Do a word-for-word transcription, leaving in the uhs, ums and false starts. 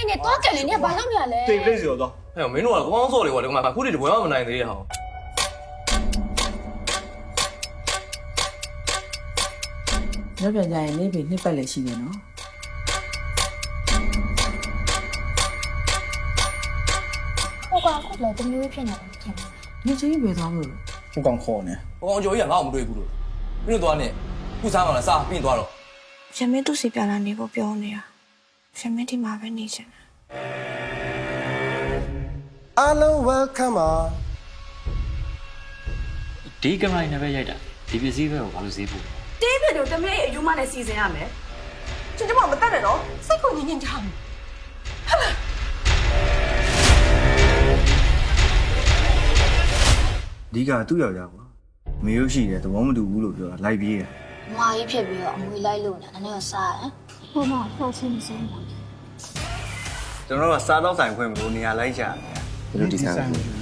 နေတော့ကလေးနေဘာလုပ်နေရလဲတိတ်လေးစီတော့ဟဲ့မင်းတို့ကကောင်းစော်လေကွာဒီမှာခုတည်းတပွဲမှမနိုင်သေးရဟောင်းနောက်ပြန်ကြရင်နေပြီနှစ်ပတ်လည်းရှိတယ်နော်ဟိုကောင်ခုလည်းတမျိုးဖြစ်နေတယ်ထင်တယ်နေချင်းပဲသွားမလို့ဟိုကောင်ခေါ်နေဟိုကောင်ကျော်ကြီးကငါ့ကိုမတွေ့ဘူးလို့မင်းတို့သွားနေခုစားမှလားစားပြီးသွားတော့ရမင်းသူ့စီပြန်လာနေဖို့ပြောနေတာရမင်းဒီမှာပဲနေချင်တယ်အားလုံး welcome ပါဒီကင်မရာနဲ့ပဲရိုက်တာဒီပစ္စည်းပဲကိုဘာလို့ဈေးပို့တေးပြတို့တမလေးအယူမနဲ့စီစဉ်ရမယ်ကျွန်တော်မတက်နဲ့နော်စိတ်ကိုညင်ညင်ချမ်းဒီကသူ့ယောက်ျားကွာမေရုပ်ရှိတယ်သဘောမတူဘူးလို့ပြောတာလိုက်ပြေးတယ်မွာကြီးဖြစ်ပြီးတော့အမွေလိုက်လို့နေတာနည်းနည်းစားတယ်ဟိုမှာဖောက်ချင်းစင်းပါကျွန်တော်တို့ကစားတော့ဆိုင်ခွင့်မလို့နေရာလိုက်ရှာတယ်ဘယ်လိုဒီဆိုင်